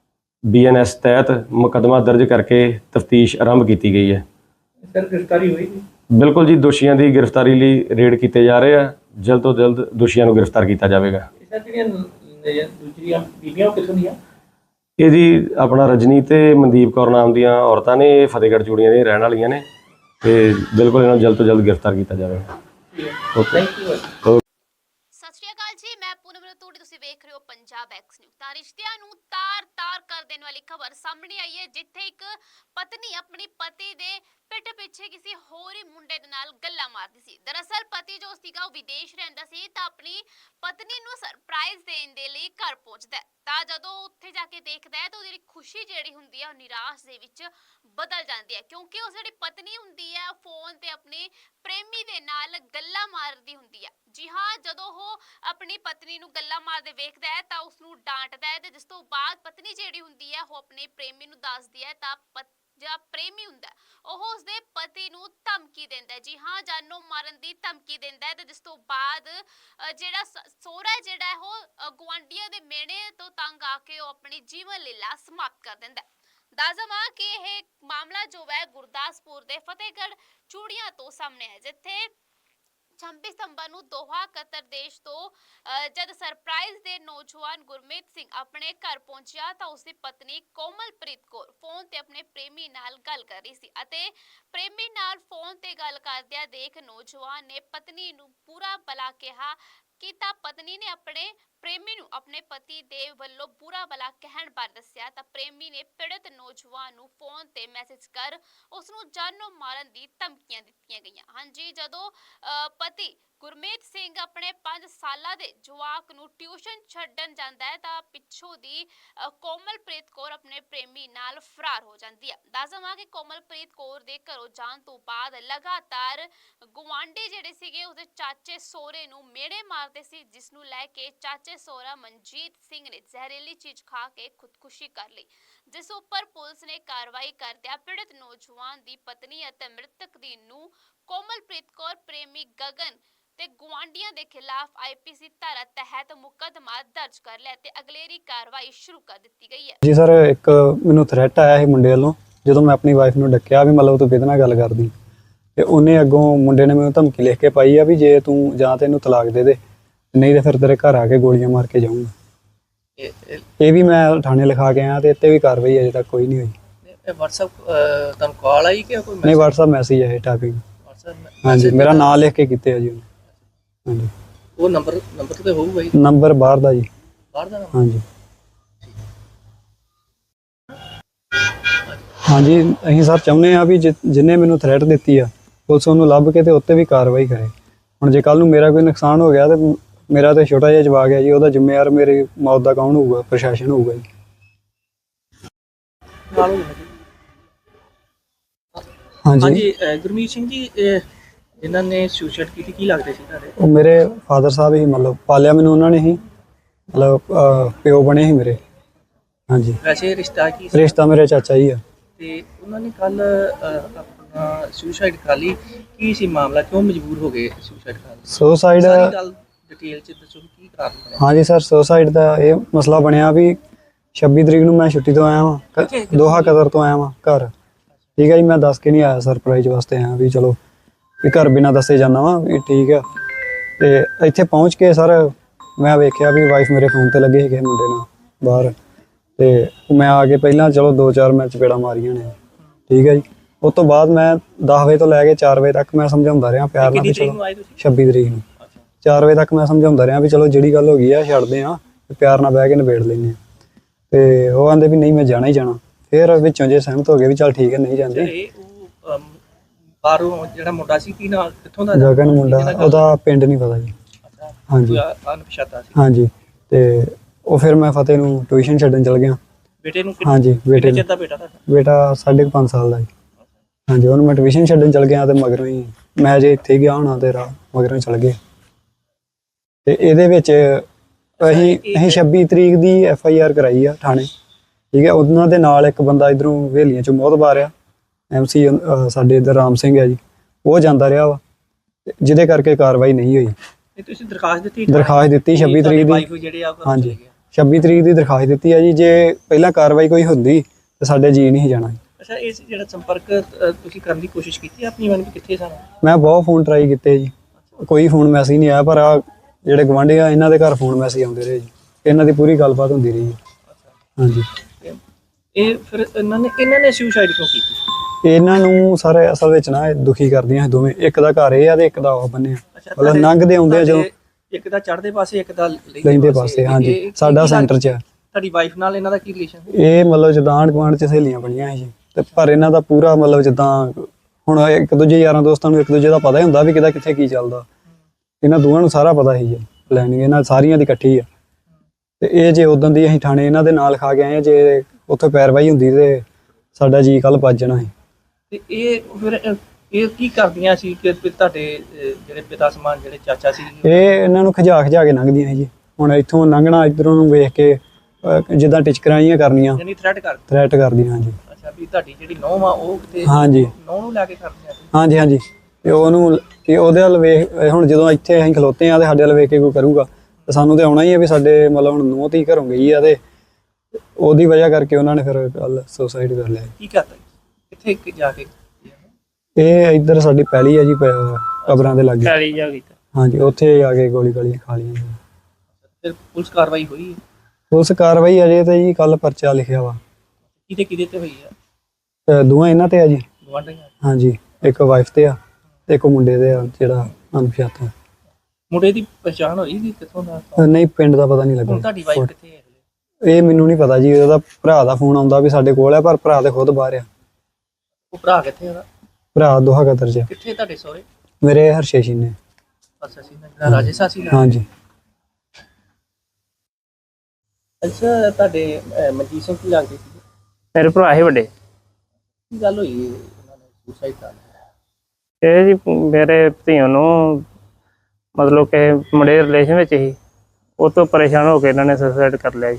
BNS ਤਹਿਤ ਮੁਕੱਦਮਾ ਦਰਜ ਕਰਕੇ ਤਫਤੀਸ਼ ਆਰੰਭ ਕੀਤੀ ਗਈ ਹੈ।
ਸਰ, ਗ੍ਰਿਫਤਾਰੀ ਹੋਈ?
ਬਿਲਕੁਲ ਜੀ, ਦੋਸ਼ੀਆਂ ਦੀ ਗ੍ਰਿਫਤਾਰੀ ਲਈ ਰੇਡ ਕੀਤੇ ਜਾ ਰਹੇ ਆ, ਜਲਦ ਤੋਂ ਜਲਦ ਦੋਸ਼ੀਆਂ ਨੂੰ ਗ੍ਰਿਫਤਾਰ ਕੀਤਾ ਜਾਵੇਗਾ।
ਸਰ, ਜਿਹੜੀਆਂ ਦੂਜੀਆਂ ਬੀਬੀਆਂ ਉਹ ਕਿੱਥੋਂ ਦੀਆਂ?
ਇਹ ਜੀ ਆਪਣਾ ਰਜਨੀ ਤੇ ਮਨਦੀਪ ਕੌਰ ਨਾਮ ਦੀਆਂ ਔਰਤਾਂ ਨੇ, ਇਹ ਫਤਿਹਗੜ੍ਹ ਚੂੜੀਆਂ ਦੇ ਰਹਿਣ ਵਾਲੀਆਂ ਨੇ, ਤੇ ਬਿਲਕੁਲ ਇਹਨਾਂ ਨੂੰ ਜਲਦ ਤੋਂ ਜਲਦ ਗ੍ਰਿਫਤਾਰ ਕੀਤਾ ਜਾਵੇਗਾ।
Thank you.
ਸਤਿ ਸ਼੍ਰੀ ਅਕਾਲ ਜੀ, ਮੈਂ ਪੂਨਮ ਰਤੂੜੀ, ਤੁਸੀਂ ਵੇਖ ਰਹੇ ਹੋ ਪੰਜਾਬ ਐਕਸ ਨਿਊਜ਼। ਤਾਂ ਰਿਸ਼ਤਿਆਂ ਨੂੰ ਤਾਰ-ਤਾਰ ਕਰ ਦੇਣ ਵਾਲੀ ਖਬਰ ਸਾਹਮਣੇ ਆਈ ਹੈ, ਜਿੱਥੇ ਇੱਕ ਪਤਨੀ ਆਪਣੀ ਪਤੀ ਦੇ ਪਿੱਠ ਪਿੱਛੇ ਕਿਸੇ ਹੋਰ ਹੀ ਮੁੰਡੇ ਦੇ ਨਾਲ ਗੱਲਾਂ ਮਾਰਦੀ ਸੀ। ਦਰਅਸਲ ਪਤੀ ਜੋ ਸੀਗਾ ਉਹ ਵਿਦੇਸ਼ ਰਹਿੰਦਾ ਸੀ, ਤਾਂ ਆਪਣੀ ਪਤਨੀ ਨੂੰ ਸਰਪ੍ਰਾਈਜ਼ ਦੇਣ ਦੇ ਲਈ ਘਰ ਪਹੁੰਚਦਾ ਹੈ। ਤਾਂ ਜਦੋਂ ਉੱਥੇ ਜਾ ਕੇ ਦੇਖਦਾ ਹੈ ਤਾਂ ਉਹਦੀ ਖੁਸ਼ੀ ਜਿਹੜੀ ਹੁੰਦੀ ਹੈ ਉਹ ਨਿਰਾਸ਼ ਦੇ ਵਿੱਚ ਬਦਲ ਜਾਂਦੀ ਹੈ, ਕਿਉਂਕਿ ਉਸ ਜਿਹੜੀ ਪਤਨੀ ਹੁੰਦੀ ਹੈ ਫੋਨ ਤੇ ਆਪਣੇ ਪ੍ਰੇਮੀ ਦੇ ਨਾਲ ਗੱਲਾਂ ਮਾਰਦੀ ਹੁੰਦੀ ਹੈ। ਜੀ ਹਾਂ, ਜਦੋਂ ਉਹ ਆਪਣੀ ਪਤਨੀ ਨੂੰ ਗੱਲਾਂ ਮਾਰਦੇ ਵੇਖਦਾ ਹੈ ਤਾਂ ਉਸ ਨੂੰ ਡਾਂਟਦਾ ਹੈ, ਤੇ ਜਿਸ ਤੋਂ ਬਾਅਦ ਪਤਨੀ ਜਿਹੜੀ ਹੁੰਦੀ ਹੈ ਉਹ ਆਪਣੇ ਪ੍ਰੇਮੀ ਨੂੰ ਦੱਸਦੀ ਹੈ, ਤਾਂ ਜਿਹੜਾ ਪ੍ਰੇਮੀ ਹੁੰਦਾ ਉਹ ਉਸਦੇ ਪਤੀ ਨੂੰ ਧਮਕੀ ਦਿੰਦਾ ਹੈ। ਜੀ ਹਾਂ, ਜਾਨੋਂ ਮਾਰਨ ਦੀ ਧਮਕੀ ਦਿੰਦਾ ਹੈ, ਤੇ ਜਿਸ ਤੋਂ ਬਾਅਦ ਜਿਹੜਾ ਸਹੁਰਾ ਜਿਹੜਾ ਹੈ ਉਹ ਗੁਆਂਢੀਆਂ ਦੇ ਮਿਹਣੇ ਤੋਂ ਤੰਗ ਆ ਕੇ ਉਹ ਆਪਣੀ ਜੀਵਨ ਲੀਲਾ ਸਮਾਪਤ ਕਰ ਦਿੰਦਾ ਹੈ। ਦੱਸ ਦੇਵਾਂ ਕਿ ਇਹ ਮਾਮਲਾ ਜੋ ਹੈ ਗੁਰਦਾਸਪੁਰ ਦੇ ਫਤਿਹਗੜ੍ਹ ਚੂੜੀਆਂ ਤੋਂ ਸਾਹਮਣੇ ਹੈ, ਜਿੱਥੇ 26 ਸਤੰਬਰ ਨੂੰ ਦੋਹਾ ਕਤਰ ਦੇਸ਼ ਤੋਂ ਜਦ ਸਰਪ੍ਰਾਈਜ਼ ਦੇ ਨੌਜਵਾਨ ਗੁਰਮੀਤ ਸਿੰਘ ਆਪਣੇ ਘਰ ਪਹੁੰਚਿਆ ਤਾਂ ਉਸਦੀ ਪਤਨੀ ਕੋਮਲਪ੍ਰੀਤ ਕੌਰ ਫੋਨ ਤੇ ਆਪਣੇ ਪ੍ਰੇਮੀ ਨਾਲ ਗੱਲ ਕਰ ਰਹੀ ਸੀ ਅਤੇ ਪ੍ਰੇਮੀ ਨਾਲ ਫੋਨ ਤੇ ਗੱਲ ਕਰਦਿਆਂ ਦੇਖ ਨੌਜਵਾਨ ਨੇ ਪਤਨੀ ਨੂੰ ਬੁਰਾ ਭਲਾ ਕਿਹਾ ਕੀਤਾ। ਪਤਨੀ ਨੇ ਆਪਣੇ ਪ੍ਰੇਮੀ ਨੂੰ ਆਪਣੇ ਪਤੀ ਦੇ ਵੱਲੋਂ ਬੁਰਾ ਭਲਾ ਕਹਿਣ ਬਾਰੇ ਦੱਸਿਆ ਤਾਂ ਪ੍ਰੇਮੀ ਨੇ ਪੀੜਤ ਨੌਜਵਾਨ ਨੂੰ ਫੋਨ ਤੇ ਮੈਸੇਜ ਕਰ ਉਸ ਨੂੰ ਜਾਨੋਂ ਮਾਰਨ ਦੀ ਧਮਕੀਆਂ ਦਿੱਤੀਆਂ ਗਈਆਂ। ਹਾਂਜੀ, ਜਦੋਂ ਪਤੀ ਗੁਰਮੀਤ ਸਿੰਘ ਆਪਣੇ 5 ਸਾਲਾਂ ਦੇ ਜਵਾਕ ਨੂੰ ਟਿਊਸ਼ਨ ਛੱਡਣ ਜਾਂਦਾ ਹੈ ਤਾਂ ਪਿੱਛੋਂ ਦੀ ਕੋਮਲਪ੍ਰੀਤ ਕੌਰ ਆਪਣੇ ਪ੍ਰੇਮੀ ਨਾਲ ਫਰਾਰ ਹੋ ਜਾਂਦੀ ਹੈ। ਦੱਸ ਦੇਵਾਂ ਕਿ ਕੋਮਲਪ੍ਰੀਤ ਕੌਰ ਦੇ ਘਰੋਂ ਜਾਣ ਤੋਂ ਬਾਅਦ ਲਗਾਤਾਰ ਗੁਆਂਢੀ ਜਿਹੜੇ ਸੀਗੇ ਉਸਦੇ ਚਾਚੇ ਸਹੁਰੇ ਨੂੰ ਮਿਹਣੇ ਮਾਰਦੇ ਸੀ, ਜਿਸ ਨੂੰ ਲੈ ਕੇ ਚਾਚੇ ਸਹੁਰਾ ਮਨਜੀਤ ਸਿੰਘ ਨੇ ਜ਼ਹਿਰੀਲੀ ਚੀਜ਼ ਖਾ ਕੇ ਖੁਦਕੁਸ਼ੀ ਕਰ ਲਈ, ਜਿਸ ਉੱਪਰ ਪੁਲਿਸ ਨੇ ਕਾਰਵਾਈ ਕਰਦਿਆਂ ਪੀੜਤ ਨੌਜਵਾਨ ਦੀ ਪਤਨੀ ਅਤੇ ਮ੍ਰਿਤਕ ਦੀ ਨੂੰਹ ਕੋਮਲਪ੍ਰੀਤ ਕੌਰ ਪ੍ਰੇਮੀ ਗਗਨ ਤੇ ਗੁਆਂਢੀਆਂ ਦੇ ਖਿਲਾਫ ਆਈਪੀਸੀ ਧਾਰਾ ਤਹਿਤ ਮੁਕੱਦਮਾ ਦਰਜ ਕਰ ਲਿਆ ਤੇ ਅਗਲੇਰੀ ਕਾਰਵਾਈ ਸ਼ੁਰੂ ਕਰ ਦਿੱਤੀ ਗਈ ਹੈ।
ਜੀ ਸਰ, ਇੱਕ ਮੈਨੂੰ ਥ੍ਰੈਟ ਆਇਆ ਸੀ ਮੁੰਡੇ ਵੱਲੋਂ। ਜਦੋਂ ਮੈਂ ਆਪਣੀ ਵਾਈਫ ਨੂੰ ਡੱਕਿਆ ਵੀ ਮਤਲਬ ਤੂੰ ਕਿਹਦੇ ਨਾਲ ਗੱਲ ਕਰਦੀ, ਤੇ ਉਹਨੇ ਅੱਗੋਂ ਮੁੰਡੇ ਨੇ ਮੈਨੂੰ ਧਮਕੀ ਲਿਖ ਕੇ ਪਾਈ ਆ ਵੀ ਜੇ ਤੂੰ ਜਾਂ ਤੇ ਇਹਨੂੰ ਤਲਾਕ ਦੇ ਦੇ, ਨਹੀਂ ਤੇ ਫਿਰ ਤੇਰੇ ਘਰ ਆ ਕੇ ਗੋਲੀਆਂ ਮਾਰ ਕੇ ਜਾਊਂਗਾ। ਇਹ ਵੀ ਮੈਂ ਥਾਣੇ ਲਿਖਾ ਕੇ ਆਇਆ ਤੇ ਇੱਥੇ ਵੀ ਕਾਰਵਾਈ ਅਜੇ ਤੱਕ ਕੋਈ ਨਹੀਂ ਹੋਈ।
WhatsApp ਤੁਹਾਨੂੰ ਕਾਲ ਆਈ ਕਿ ਕੋਈ
ਨਹੀਂ, WhatsApp ਮੈਸੇਜ ਹੈ ਟਾਈਪਿੰਗ।
WhatsApp
ਹਾਂਜੀ, ਮੇਰਾ ਨਾਂ ਲਿਖ ਕੇ ਕੀਤੇ ਆ ਜੀ ਉਹਨੇ। ਹਾਂਜੀ,
ਉਹ ਨੰਬਰ ਤੇ ਹੋਊਗਾ ਹੀ,
ਨੰਬਰ ਬਾਹਰ ਦਾ ਜੀ।
ਬਾਹਰ ਦਾ ਨੰਬਰ?
ਹਾਂਜੀ ਹਾਂਜੀ, ਅਸੀਂ ਸਰ ਚਾਹੁੰਦੇ ਆ ਵੀ ਜਿੰਨੇ ਮੈਨੂੰ ਥ੍ਰੈਟ ਦਿੱਤੀ ਆ ਪੁਲਿਸ ਉਹਨੂੰ ਲੱਭ ਕੇ ਤੇ ਉੱਤੇ ਵੀ ਕਾਰਵਾਈ ਕਰੇ। ਹੁਣ ਜੇ ਕੱਲ ਨੂੰ ਮੇਰਾ ਕੋਈ ਨੁਕਸਾਨ ਹੋ ਗਿਆ ਤੇ ਮੇਰਾ ਤੇ ਛੋਟਾ ਜਿਹਾ ਜਵਾਕ ਹੈ ਜੀ, ਉਹਦਾ ਜ਼ਿੰਮੇਵਾਰ ਮੇਰੀ ਮੌਤ ਦਾ ਕੌਣ ਹੋਊਗਾ? ਪ੍ਰਸ਼ਾਸਨ ਹੋਊਗਾ ਜੀ। ਹਾਂਜੀ,
ਹਾਂਜੀ, ਗੁਰਮੀਤ ਸਿੰਘ ਜੀ, ਜਿਨ੍ਹਾਂ ਨੇ ਸੁਸਾਈਡ ਕੀਤੀ ਕੀ ਲੱਗਦੇ ਸੀ ਤੁਹਾਡੇ?
ਉਹ ਮੇਰੇ ਫਾਦਰ ਸਾਹਿਬ ਹੀ, ਮਤਲਬ ਪਾਲਿਆ ਮੈਨੂੰ ਉਹਨਾਂ ਨੇ ਹੀ, ਮਤਲਬ ਪਿਓ ਬਣੇ ਸੀ ਮੇਰੇ। ਹਾਂਜੀ,
ਵੈਸੇ ਰਿਸ਼ਤਾ ਕੀ ਸੀ?
ਰਿਸ਼ਤਾ ਮੇਰੇ ਚਾਚਾ ਜੀ ਆ।
ਤੇ ਉਹਨਾਂ ਨੇ ਕੱਲ ਆਪਣਾ ਸੁਸਾਈਡ ਕਰ ਲਈ, ਕੀ ਸੀ ਮਾਮਲਾ, ਕਿਉਂ ਮਜਬੂਰ ਹੋ ਗਏ ਸੁਸਾਈਡ ਕਰਨ ਲਈ?
ਸੁਸਾਈਡ,
ਸਾਰੀ ਗੱਲ ਡਿਟੇਲ ਚ ਦੱਸੋ ਕੀ ਕਾਰਨ ਬਣਿਆ?
ਹਾਂਜੀ ਸਰ, ਸੁਸਾਈਡ ਦਾ ਇਹ ਮਸਲਾ ਬਣਿਆ ਵੀ 26 ਤਰੀਕ ਨੂੰ ਮੈਂ ਛੁੱਟੀ ਤੋਂ ਆਇਆ ਵਾਂ, ਦੋਹਾ ਕਤਰ ਤੋਂ ਆਇਆ ਵਾਂ ਘਰ। ਠੀਕ ਹੈ ਜੀ, ਮੈਂ ਦੱਸ ਕੇ ਨਹੀਂ ਆਇਆ, ਸਰਪ੍ਰਾਈਜ਼ ਵਾਸਤੇ ਆਇਆ ਵੀ ਚਲੋ ਵੀ ਘਰ ਬਿਨਾਂ ਦੱਸੇ ਜਾਂਦਾ ਵਾਂ ਵੀ ਠੀਕ ਆ। ਤੇ ਇੱਥੇ ਪਹੁੰਚ ਕੇ ਸਰ ਮੈਂ ਵੇਖਿਆ ਵੀ ਵਾਈਫ ਮੇਰੇ ਫੋਨ ਤੇ ਲੱਗੇ ਸੀਗੇ ਮੁੰਡੇ ਨਾਲ ਬਾਹਰ, ਤੇ ਮੈਂ ਆ ਕੇ ਪਹਿਲਾਂ ਚਲੋ 2-4 ਮੈਂ ਚਪੇੜਾਂ ਮਾਰੀਆਂ ਨੇ। ਠੀਕ ਹੈ ਜੀ, ਉਸ ਤੋਂ ਬਾਅਦ ਮੈਂ 10 ਵਜੇ ਤੋਂ ਲੈ ਕੇ 4 ਵਜੇ ਤੱਕ ਮੈਂ ਸਮਝਾਉਂਦਾ ਰਿਹਾ ਪਿਆਰ ਨਾਲ ਵੀ ਚਲੋ 26 ਤਰੀਕ ਨੂੰ 4 ਵਜੇ ਤੱਕ ਮੈਂ ਸਮਝਾਉਂਦਾ ਰਿਹਾ ਵੀ ਚਲੋ ਜਿਹੜੀ ਗੱਲ ਹੋ ਗਈ ਆ ਛੱਡਦੇ ਆ, ਪਿਆਰ ਨਾਲ ਬਹਿ ਕੇ ਨਿਬੇੜ ਲੈਂਦੇ ਆ। ਤੇ ਉਹ ਕਹਿੰਦੇ ਵੀ ਨਹੀਂ ਮੈਂ ਜਾਣਾ ਹੀ ਜਾਣਾ। ਫਿਰ ਵਿੱਚੋਂ ਜੇ ਸਹਿਮਤ ਹੋ ਗਏ ਵੀ ਚੱਲ ਠੀਕ ਹੈ ਨਹੀਂ ਜਾਂਦੇ।
ਉਹ ਬਾਹਰੋਂ ਜਿਹੜਾ ਮੁੰਡਾ ਸੀ ਕੀ ਨਾਲ ਕਿੱਥੋਂ ਦਾ?
ਗਗਨ ਮੁੰਡਾ, ਉਹਦਾ ਪਿੰਡ ਨਹੀਂ ਪਤਾ ਜੀ। ਹਾਂਜੀ
ਅਣਪਛਾਤਾ ਸੀ।
ਹਾਂਜੀ, ਤੇ ਉਹ ਫਿਰ ਮੈਂ ਫਤਿਹ ਨੂੰ ਟਿਊਸ਼ਨ ਛੱਡਣ ਚਲ ਗਿਆ।
ਬੇਟੇ ਨੂੰ
ਹਾਂਜੀ, ਬੇਟੇ
ਕਿੰਨੇ ਚਿਰ ਦਾ ਬੇਟਾ ਤੁਹਾਡਾ?
ਬੇਟਾ 5.5 ਸਾਲ ਦਾ ਜੀ। ਹਾਂਜੀ, ਉਹਨੂੰ ਮੈਂ ਟਿਊਸ਼ਨ ਛੱਡਣ ਚਲ ਗਿਆ ਤੇ ਮਗਰੋਂ ਹੀ ਮੈਂ ਜੇ ਇੱਥੇ ਗਿਆ ਹੋਣਾ ਤੇ ਮਗਰੋਂ ਚਲ ਗਏ। ਤੇ ਇਹਦੇ ਵਿੱਚ ਅਸੀਂ 26 ਤਰੀਕ ਦੀ FIR ਕਰਾਈ ਆ ਥਾਣੇ। ਠੀਕ ਹੈ, ਉਹਨਾਂ ਦੇ ਨਾਲ ਇੱਕ ਬੰਦਾ ਇਧਰੋਂ ਹਵੇਲੀਆਂ ਚੋਂ ਮੋਹਤਬਾਰ ਆ, MC ਸਾਡੇ ਇੱਧਰ ਰਾਮ ਸਿੰਘ ਹੈ ਜੀ, ਉਹ ਜਾਂਦਾ ਰਿਹਾ ਵਾ, ਜਿਹਦੇ ਕਰਕੇ ਕਾਰਵਾਈ ਨਹੀਂ ਹੋਈ।
ਤੁਸੀਂ ਦਰਖਾਸਤ ਦਿੱਤੀ?
ਦਰਖਾਸਤ ਦਿੱਤੀ 26 ਤਰੀਕ ਦੀ।
ਜਿਹੜੇ ਆ
ਹਾਂਜੀ, 26 ਤਰੀਕ ਦੀ ਦਰਖਾਸਤ ਦਿੱਤੀ ਆ ਜੀ। ਜੇ ਪਹਿਲਾਂ ਕਾਰਵਾਈ ਕੋਈ ਹੁੰਦੀ ਤੇ ਸਾਡੇ ਜੀ ਨਹੀਂ ਜਾਣਾ।
ਅੱਛਾ, ਇਸ ਜਿਹੜਾ ਸੰਪਰਕ ਤੁਸੀਂ ਕਰਨ ਦੀ ਕੋਸ਼ਿਸ਼ ਕੀਤੀ ਆਪਣੀ ਮਨ ਵੀ ਕਿੱਥੇ ਸਨ?
ਮੈਂ ਬਹੁਤ ਫੋਨ ਟਰਾਈ ਕੀਤੇ ਜੀ, ਕੋਈ ਫੋਨ ਮੈਸੇਜ ਨਹੀਂ ਆਇਆ। ਪਰ ਆ ਜਿਹੜੇ ਗਵਾਂਢੀ ਆ ਇਹਨਾਂ ਦੇ ਘਰ ਫੋਨ ਮੈਸੇਜ ਆਉਂਦੇ ਰਹੇ ਜੀ, ਇਹਨਾਂ ਦੀ ਪੂਰੀ ਗੱਲਬਾਤ ਹੁੰਦੀ ਰਹੀ ਜੀ। ਹਾਂਜੀ,
ਇਹ ਫਿਰ ਇਹਨਾਂ ਨੇ ਸੁਸਾਈਡ ਕਿਉਂ ਕੀਤੀ?
ਇਹਨਾਂ ਨੂੰ ਸਾਰੇ ਅਸਲ ਵਿੱਚ ਨਾ ਇਹ ਦੁਖੀ ਕਰਦੀਆਂ ਦੋਵੇਂ। ਇੱਕ ਦਾ ਘਰ ਇਹ ਆ ਤੇ ਇੱਕ ਦਾ ਉਹ ਬੰਨਿਆ, ਮਤਲਬ ਲੰਘਦੇ ਆਉਂਦੇ ਆ ਜਦੋਂ,
ਇੱਕ ਦਾ ਚੜ੍ਹਦੇ ਪਾਸੇ ਇੱਕ ਦਾ
ਲੈਂਦੇ ਪਾਸੇ। ਹਾਂਜੀ, ਸਾਡਾ ਸੈਂਟਰ 'ਚ ਆ।
ਤੁਹਾਡੀ ਵਾਈਫ ਨਾਲ ਇਹਨਾਂ ਦਾ ਕੀ ਰਿਲੇਸ਼ਨ?
ਇਹ ਮਤਲਬ ਜਿੱਦਾਂ ਆਂਢ ਗੁਆਂਢ 'ਚ ਸਹੇਲੀਆਂ ਬਣੀਆਂ ਸੀ ਜੀ। ਤੇ ਪਰ ਇਹਨਾਂ ਦਾ ਪੂਰਾ ਮਤਲਬ ਜਿੱਦਾਂ ਹੁਣ ਇੱਕ ਦੂਜੇ ਯਾਰਾਂ ਦੋਸਤਾਂ ਨੂੰ ਇੱਕ ਦੂਜੇ ਦਾ ਪਤਾ ਹੀ ਹੁੰਦਾ ਵੀ ਕਿਹਦਾ ਕਿੱਥੇ ਕੀ ਚੱਲਦਾ। ਇਹਨਾਂ ਦੋਵਾਂ ਨੂੰ ਸਾਰਾ ਪਤਾ ਸੀ ਜੀ, ਪਲੈਨਿੰਗ ਇਹਨਾਂ ਸਾਰੀਆਂ ਦੀ ਇਕੱਠੀ ਆ। ਤੇ ਇਹ ਜੇ ਉਦੋਂ ਦੀ ਅਸੀਂ ਥਾਣੇ ਇਹਨਾਂ ਦੇ ਨਾਲ ਖਾ ਕੇ ਆਏ ਆ, ਜੇ ਉੱਥੇ ਪੈਰਵਾਈ ਹੁੰਦੀ ਤੇ ਸਾਡਾ ਜੀ ਕੱਲ ਭੱਜ ਜਾਣਾ ਸੀ।
ਤੇ ਇਹ ਫਿਰ ਇਹ ਕੀ ਕਰਦੀਆਂ ਸੀ ਕਿ ਤੁਹਾਡੇ ਜਿਹੜੇ ਪਿਤਾ ਸਮਾਨ ਜਿਹੜੇ ਚਾਚਾ ਸੀ?
ਇਹ ਇਹਨਾਂ ਨੂੰ ਖਿਜਾ ਕੇ ਲੰਘਦੀਆਂ ਸੀ ਜੀ। ਹੁਣ ਇੱਥੋਂ ਲੰਘਣਾ ਇੱਧਰੋਂ ਨੂੰ ਵੇਖ ਕੇ ਜਿੱਦਾਂ ਟਿਚਕਰਾਂ ਜਿਹੀਆਂ ਕਰਨੀਆਂ,
ਯਾਨੀ ਥ੍ਰੈਟ
ਕਰਦੀਆਂ। ਹਾਂਜੀ,
ਅੱਛਾ, ਵੀ ਤੁਹਾਡੀ ਜਿਹੜੀ ਨੌਂ ਆ ਉਹ ਕਿਤੇ
ਹਾਂਜੀ
ਨੌਂ ਨੂੰ ਲੈ ਕੇ ਕਰਦੀਆਂ ਸੀ?
ਹਾਂਜੀ ਹਾਂਜੀ, ਤੇ ਉਹਨੂੰ ਤੇ ਉਹਦੇ ਵੱਲ ਵੇਖ, ਹੁਣ ਜਦੋਂ ਇੱਥੇ ਅਸੀਂ ਖਲੋਤੇ ਆ ਤੇ ਸਾਡੇ ਵੱਲ ਵੇਖ ਕੇ ਕੋਈ ਕਰੂਗਾ ਤੇ ਸਾਨੂੰ ਤੇ ਆਉਣਾ ਹੀ ਆ ਵੀ ਸਾਡੇ ਮਤਲਬ ਹੁਣ ਨੂੰਹ ਧੀ ਘਰੋਂ ਗਈ ਆ ਤੇ ਉਹਦੀ ਵਜ੍ਹਾ ਕਰਕੇ ਉਹਨਾਂ ਨੇ ਫਿਰ ਕੱਲ ਸੁਸਾਈਡ ਕਰ ਲਿਆ।
ਕੀ ਕਰਤਾ ਕਿੱਥੇ ਜਾ ਕੇ?
ਇਹ ਇੱਧਰ ਸਾਡੀ ਪੈਲੀ ਆ ਜੀ, ਕਬਰਾਂ ਦੇ ਲਾਗੇ।
ਪੈਲੀ ਜਾ ਕੀਤਾ।
ਹਾਂਜੀ ਉੱਥੇ ਆ ਕੇ ਗੋਲੀ ਗਾਲੀ ਖਾ ਲਈਆਂ ਜੀ।
ਫਿਰ ਪੁਲਿਸ ਕਾਰਵਾਈ ਹੋਈ ਹੈ?
ਪੁਲਿਸ ਕਾਰਵਾਈ ਅਜੇ ਤੇ ਜੀ ਕੱਲ ਪਰਚਾ ਲਿਖਿਆ ਵਾ।
ਕਿਹਦੇ ਤੇ ਹੋਈ ਆ?
ਦੋਵਾਂ ਇਹਨਾਂ ਤੇ ਆ ਜੀ।
ਗਵਾਂਢੀਆਂ?
ਹਾਂਜੀ ਇੱਕ ਵਾਈਫ ਤੇ ਆ ਤੇ ਇੱਕ ਮੁੰਡੇ ਤੇ ਆ ਜਿਹੜਾ ਅਣਪਛਾਤਾ।
ਮੁੰਡੇ ਦੀ ਪਛਾਣ ਹੋਈ ਕਿ ਕਿੱਥੋਂ ਦਾ?
ਨਹੀਂ ਪਿੰਡ ਦਾ ਪਤਾ ਨਹੀਂ
ਹੁਣ
ਲੱਗਾ।
ਤੁਹਾਡੀ ਵਾਈਫ ਕਿੱਥੇ ਹੈ?
ਇਹ ਮੈਨੂੰ ਨਹੀਂ ਪਤਾ ਜੀ, ਉਹਦਾ ਭਰਾ ਦਾ ਫੋਨ ਆਉਂਦਾ ਵੀ ਸਾਡੇ ਕੋਲ ਆ, ਪਰ ਭਰਾ ਤੇ ਖੁਦ ਬਾਹਰ ਆ।
ਉਹ ਭਰਾ ਕਿੱਥੇ ਉਹਦਾ?
ਭਰਾ ਦੋਹਾ ਕਤਰ ਚ।
ਕਿੱਥੇ ਤੁਹਾਡੇ ਸਹੁਰੇ?
ਮੇਰੇ ਹਰਸ਼ੇਸ਼ੀ ਨੇ।
ਅੱਛਾ ਸੀ ਨਾ, ਰਾਜੇਸ਼ਾਸੀ ਨਾਲ?
ਹਾਂਜੀ।
ਅੱਛਾ ਤੁਹਾਡੇ ਮਨਜੀਤ ਸਿੰਘ ਕੀ ਲੱਗਦੇ ਸੀ?
ਮੇਰੇ ਭਰਾ ਹੀ ਵੱਡੇ।
ਕੀ ਗੱਲ ਹੋਈ ਉਹਨਾਂ ਨੇ ਸੁਸਾਈਡ ਕਰ ਲਿਆ?
ਇਹ ਜੀ ਮੇਰੇ ਧੀਆਂ ਨੂੰ ਮਤਲਬ ਕਿ ਮੁੰਡੇ ਰਿਲੇਸ਼ਨ ਵਿੱਚ ਹੀ, ਉਹ ਤੋਂ ਪਰੇਸ਼ਾਨ ਹੋ ਕੇ ਇਹਨਾਂ ਨੇ ਸੁਸਾਈਡ ਕਰ ਲਿਆ ਜੀ।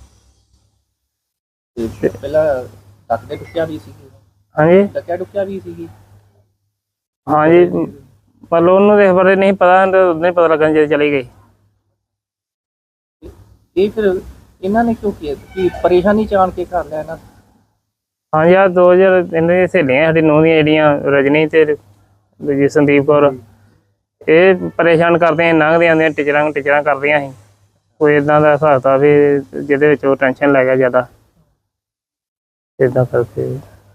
ਤੇ ਪਹਿਲਾਂ ਡੱਕਦੇ ਡੁੱਕਿਆ ਵੀ ਸੀ?
ਹਾਂਜੀ
ਡੱਕਿਆ ਡੁੱਕਿਆ ਵੀ ਸੀਗੀ?
ਹਾਂਜੀ ਮਤਲਬ ਉਹਨੂੰ ਇਸ ਬਾਰੇ ਨਹੀਂ ਪਤਾ, ਉਦੋਂ ਹੀ ਪਤਾ ਲੱਗਣ ਜਦੋਂ ਚਲੀ ਗਈ।
ਇਹ ਫਿਰ ਇਹਨਾਂ ਨੇ ਕਿਉਂ ਕੀਤਾ ਕਿ ਪਰੇਸ਼ਾਨੀ ਚਾਣ ਕੇ ਕਰ ਲਿਆ ਇਹਨਾਂ ਨੇ?
ਹਾਂਜੀ ਆ 2000 ਇਹਨਾਂ ਦੀਆਂ ਸਹੇਲੀਆਂ ਸਾਡੀ ਨੂੰਹ ਦੀਆਂ ਜਿਹੜੀਆਂ ਰਜਨੀ ਤੇ ਦੂਜੀ ਸੰਦੀਪ ਕੌਰ, ਇਹ ਪਰੇਸ਼ਾਨ ਕਰਦੀਆਂ ਲੰਘਦੀਆਂ ਆਉਂਦੀਆਂ ਟੀਚਰਾਂ ਕਰਦੀਆਂ ਸੀ। ਕੋਈ ਇਦਾਂ ਦਾ ਹਿਸਾਬ ਤਾ ਵੀ ਜਿਹਦੇ ਵਿੱਚ ਉਹ ਟੈਨਸ਼ਨ ਲੈ ਗਿਆ ਜ਼ਿਆਦਾ, ਇਦਾਂ ਕਰਕੇ।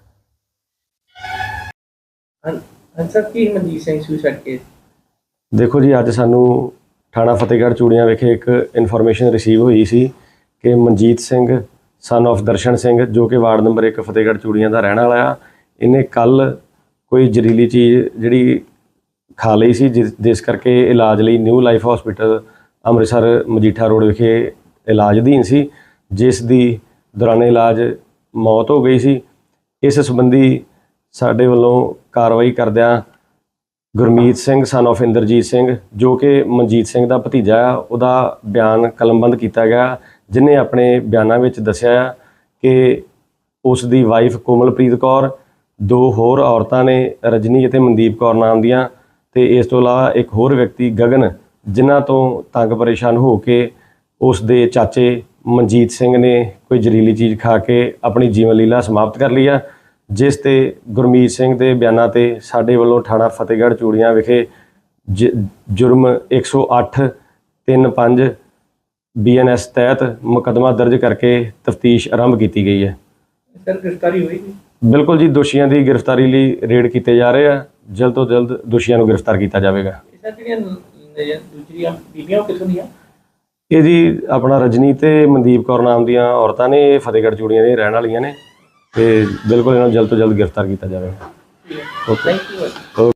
ਸਰ ਕੀ ਮਨਜੀਤ ਸਿੰਘ ਸੁਸਾਈਡ ਕੇਸ?
ਦੇਖੋ ਜੀ ਅੱਜ ਸਾਨੂੰ ਥਾਣਾ ਫਤਿਹਗੜ੍ਹ ਚੂੜੀਆਂ ਵਿਖੇ ਇੱਕ ਇਨਫੋਰਮੇਸ਼ਨ ਰਿਸੀਵ ਹੋਈ ਸੀ ਕਿ ਮਨਜੀਤ ਸਿੰਘ ਸਨ of ਦਰਸ਼ਨ ਸਿੰਘ ਜੋ ਕਿ ਵਾਰਡ ਨੰਬਰ 1 ਫਤਿਹਗੜ੍ਹ ਚੂੜੀਆਂ ਦਾ ਰਹਿਣ ਵਾਲਾ ਆ, ਇਹਨੇ ਕੱਲ ਕੋਈ ਜ਼ਹਿਰੀਲੀ ਚੀਜ਼ ਜਿਹੜੀ ਖਾ ਲਈ ਸੀ, ਜਿਸ ਕਰਕੇ ਇਲਾਜ ਲਈ new life hospital Amritsar Majitha road ਵਿਖੇ ਇਲਾਜ ਅਧੀਨ ਸੀ, ਜਿਸ ਦੀ ਦੌਰਾਨੇ ਇਲਾਜ ਮੌਤ ਹੋ ਗਈ ਸੀ। ਇਸ ਸੰਬੰਧੀ ਸਾਡੇ ਵੱਲੋਂ ਕਾਰਵਾਈ ਕਰਦਿਆਂ ਗੁਰਮੀਤ ਸਿੰਘ ਸਨ of ਇੰਦਰਜੀਤ ਸਿੰਘ ਜੋ ਕਿ ਮਨਜੀਤ ਸਿੰਘ ਦਾ ਭਤੀਜਾ ਆ, ਉਹਦਾ ਬਿਆਨ ਕਲਮਬੰਦ ਕੀਤਾ ਗਿਆ, ਜਿਨੇ ਆਪਣੇ ਬਿਆਨਾਂ ਵਿੱਚ ਦੱਸਿਆ ਕਿ ਉਸ ਦੀ ਵਾਈਫ ਕੋਮਲਪ੍ਰੀਤ ਕੌਰ, ਦੋ ਹੋਰ ਔਰਤਾਂ ਨੇ ਰਜਨੀ ਅਤੇ ਮਨਦੀਪ ਕੌਰ ਨਾਮ ਦੀਆਂ, ਤੇ ਇਸ ਤੋਂ ਇਲਾਵਾ ਇੱਕ ਹੋਰ ਵਿਅਕਤੀ ਗਗਨ, ਜਿਨ੍ਹਾਂ ਤੋਂ ਤੰਗ ਪਰੇਸ਼ਾਨ ਹੋ ਕੇ ਉਸ ਦੇ ਚਾਚੇ ਮਨਜੀਤ ਸਿੰਘ ਨੇ ਕੋਈ ਜ਼ਹਿਰੀਲੀ ਚੀਜ਼ ਖਾ ਕੇ ਆਪਣੀ ਜੀਵਨ ਲੀਲਾ ਸਮਾਪਤ ਕਰ ਲਈ ਆ, ਜਿਸ ਤੇ ਗੁਰਮੀਤ ਸਿੰਘ ਦੇ ਬਿਆਨਾਂ ਤੇ ਸਾਡੇ ਵੱਲੋਂ ਥਾਣਾ ਫਤਿਹਗੜ੍ਹ ਚੂੜੀਆਂ ਵਿਖੇ ਜੁਰਮ 108-35 BNS ਤਹਿਤ ਮੁਕੱਦਮਾ ਦਰਜ ਕਰਕੇ ਤਫਤੀਸ਼ ਆਰੰਭ ਕੀਤੀ ਗਈ ਹੈ।
ਸਰ ਗ੍ਰਿਫਤਾਰੀ ਹੋਈ?
ਬਿਲਕੁਲ ਜੀ, ਦੋਸ਼ੀਆਂ ਦੀ ਗ੍ਰਿਫਤਾਰੀ ਲਈ ਰੇਡ ਕੀਤੇ ਜਾ ਰਹੇ ਆ, ਜਲਦ ਤੋਂ ਜਲਦ ਦੋਸ਼ੀਆਂ ਨੂੰ ਗ੍ਰਿਫਤਾਰ ਕੀਤਾ ਜਾਵੇਗਾ।
ਸਰ ਜਿਹੜੀਆਂ ਦੂਜੀਆਂ ਬੀਬੀਆਂ ਉਹ ਕਿੱਥੋਂ ਦੀਆਂ?
ਇਹ ਜੀ ਆਪਣਾ ਰਜਨੀ ਤੇ ਮਨਦੀਪ ਕੌਰ ਨਾਮ ਦੀਆਂ ਔਰਤਾਂ ਨੇ, ਇਹ ਫਤਿਹਗੜ੍ਹ ਚੂੜੀਆਂ ਦੇ ਰਹਿਣ ਵਾਲੀਆਂ ਨੇ, ਤੇ ਬਿਲਕੁਲ ਇਹਨਾਂ ਨੂੰ ਜਲਦ ਤੋਂ ਜਲਦ ਗ੍ਰਿਫਤਾਰ ਕੀਤਾ ਜਾਵੇਗਾ।
Thank you.